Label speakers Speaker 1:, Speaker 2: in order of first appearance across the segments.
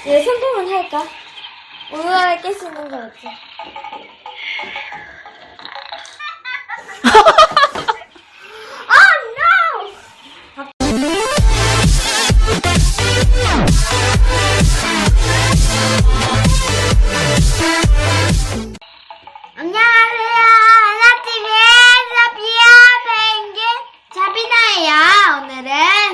Speaker 1: 얘 성공은 할까? 오늘 안에 깰 수 있는 거 같지?
Speaker 2: 안녕하세요. 하나TV의 사피아 펭귄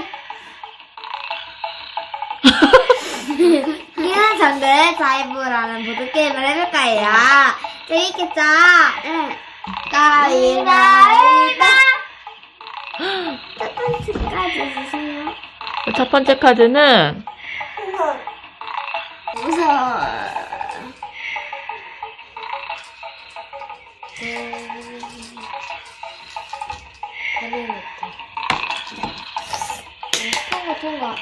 Speaker 2: 자비나예요. 오늘은 기는 정글 자이브라는 보드게임을 해볼 거예요. 재밌겠죠? 응. 가위바위보. 첫 번째 카드 주세요.
Speaker 3: 첫 번째 카드는
Speaker 2: 무서워.
Speaker 1: 통과.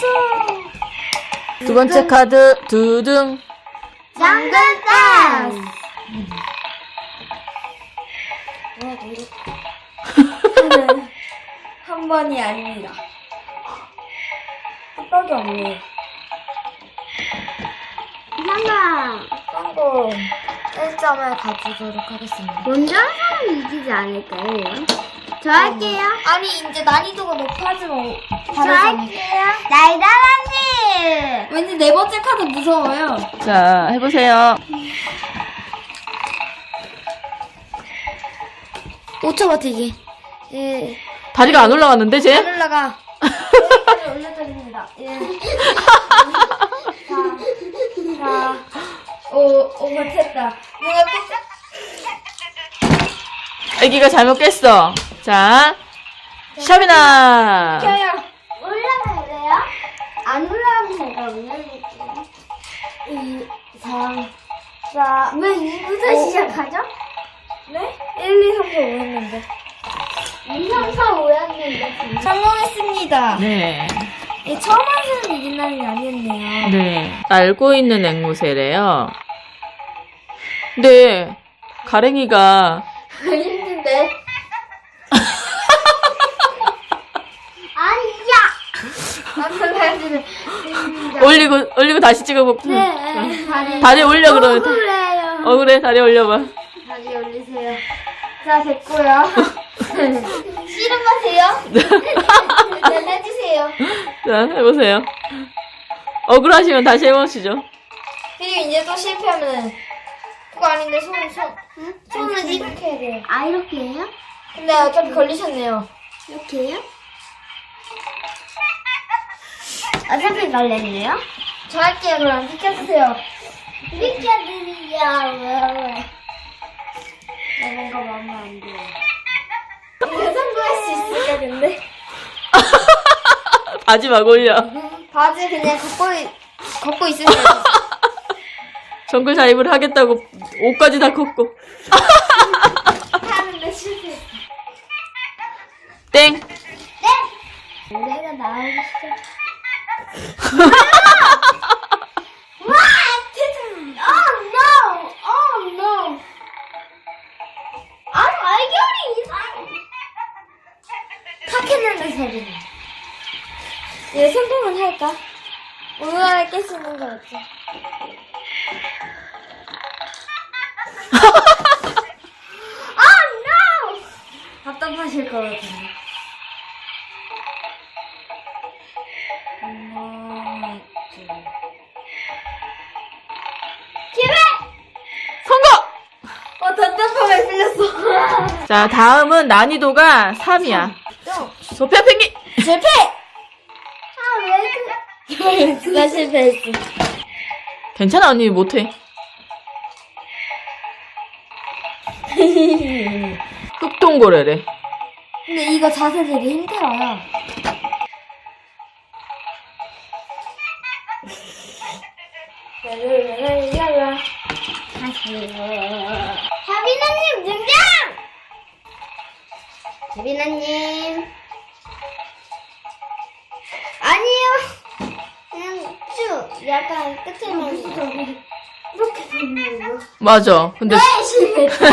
Speaker 3: 두 번째 카드 두둥.
Speaker 2: 정글 댄스.
Speaker 1: 한 번이 아닙니다. 깜빡이 없네.
Speaker 2: 성공.
Speaker 1: 성공. 1점을 가지도록 하겠습니다.
Speaker 2: 먼저 한 사람이 이기지 않을까요? 저 할게요.
Speaker 1: 아니, 이제 난이도가 높아지면
Speaker 2: 저
Speaker 1: 다르잖아.
Speaker 2: 할게요. 날다람쥐.
Speaker 1: 왠지 네 번째 카드 무서워요.
Speaker 3: 자, 해보세요.
Speaker 1: 5초 버티기. 예.
Speaker 3: 다리가 안 올라갔는데, 쟤?
Speaker 1: 안 올라가. 여기까지 올려드립니다. 예. 4, 5, 버텼다. 내가
Speaker 3: 애기가 잘못 깼어. 자, 샤비나.
Speaker 1: 켜요.
Speaker 2: 올라가야 돼요? 안 올라가면 제가 올려드릴게요.
Speaker 1: 2, 3, 4.
Speaker 2: 왜 2부터 시작하죠?
Speaker 1: 네? 1, 2, 3, 4, 5 했는데.
Speaker 2: 2, 3, 4, 5였는데.
Speaker 1: 성공했습니다.
Speaker 3: 네.
Speaker 1: 예, 처음 하시는 이긴 날이 아니었네요.
Speaker 3: 네. 알고 있는 앵무새래요. 근데, 가랭이가
Speaker 1: 힘든데.
Speaker 2: 아니야!
Speaker 1: 남편한테는
Speaker 3: 올리고 다시 찍어볼게.
Speaker 1: 네.
Speaker 3: 다리 올려, 그러면.
Speaker 2: 그래요.
Speaker 3: 그래, 다리 올려봐.
Speaker 1: 다리 올리세요. 자, 됐고요. 씨름 마세요. 네, 해주세요.
Speaker 3: 자, 해보세요. 억울하시면 다시 해보시죠.
Speaker 1: 그리고 이제 또 실패하면 그거 아닌데 손을 이렇게 해야 돼요.
Speaker 2: 아, 이렇게 해요?
Speaker 1: 근데 어차피 걸리셨네요.
Speaker 2: 이렇게 해요? 어차피 걸렸네요?
Speaker 1: 저 할게요. 그럼 비켜주세요.
Speaker 2: 비켜드리죠. 왜?
Speaker 1: 뭔가 마음에 안 들어. 이거 성공할 수 있을까 근데?
Speaker 3: 바지 막 올려.
Speaker 1: 바지 그냥 걷고 있으세요.
Speaker 3: 정글 자입을 하겠다고 옷까지 다 컸고.
Speaker 1: 하는데 실패.
Speaker 3: 땡.
Speaker 2: 노래가 나오기 시작. Oh no! Oh no! 아, 발견이 이상해.
Speaker 1: 탁했는데 소리는. 얘 성공은 할까? 오늘 안에 깰 수 있는 거 같지?
Speaker 2: Oh no!
Speaker 1: 답답하실 것 같은데.
Speaker 2: 기회!
Speaker 3: 성공!
Speaker 1: 답답함에 풀렸어.
Speaker 3: 자, 다음은 난이도가 3이야. 소피아 펭귄!
Speaker 1: 실패!
Speaker 2: 아, 왜 그래?
Speaker 1: 누가 실패했어?
Speaker 3: 괜찮아, 언니 못해. 흑동고래래.
Speaker 1: 근데 이거 자세 되게 힘들어요. 랄랄랄랄라.
Speaker 2: 자비나님 등장! 자비나님. 아니요. 그냥 쭉 약간 끝에만 이렇게 되는 거.
Speaker 3: 맞아. 근데
Speaker 2: 실패.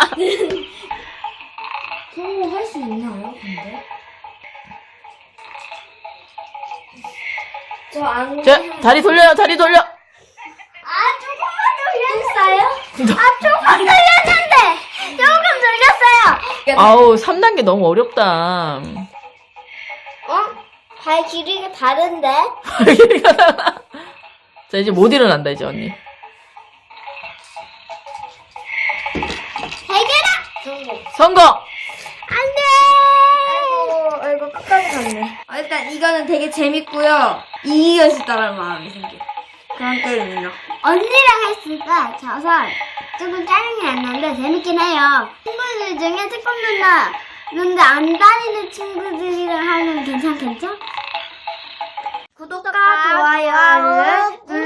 Speaker 1: 성공할 수 있나요, 근데? 저안
Speaker 3: 자, 다리 돌려요, 다리 돌려.
Speaker 1: 했어요?
Speaker 2: 조금 돌렸는데! 조금 돌렸어요!
Speaker 3: 아우, 3단계 너무 어렵다.
Speaker 2: 발 길이가 다른데?
Speaker 3: 자, 이제 못 일어난다, 이제 언니.
Speaker 2: 해결아!
Speaker 3: 성공!
Speaker 2: 안 돼!
Speaker 1: 아이고 끝까지 갔네. 일단 이거는 되게 재밌고요. 이기고 싶다는 마음이 생겨. 그런 게임이요.
Speaker 2: 언니랑 했으니까 져서 조금 짜증이 났는데 재밌긴 해요. 친구들 중에 태권도나 근데 안 다니는 친구들이랑 하면 괜찮겠죠? 구독과 좋아요를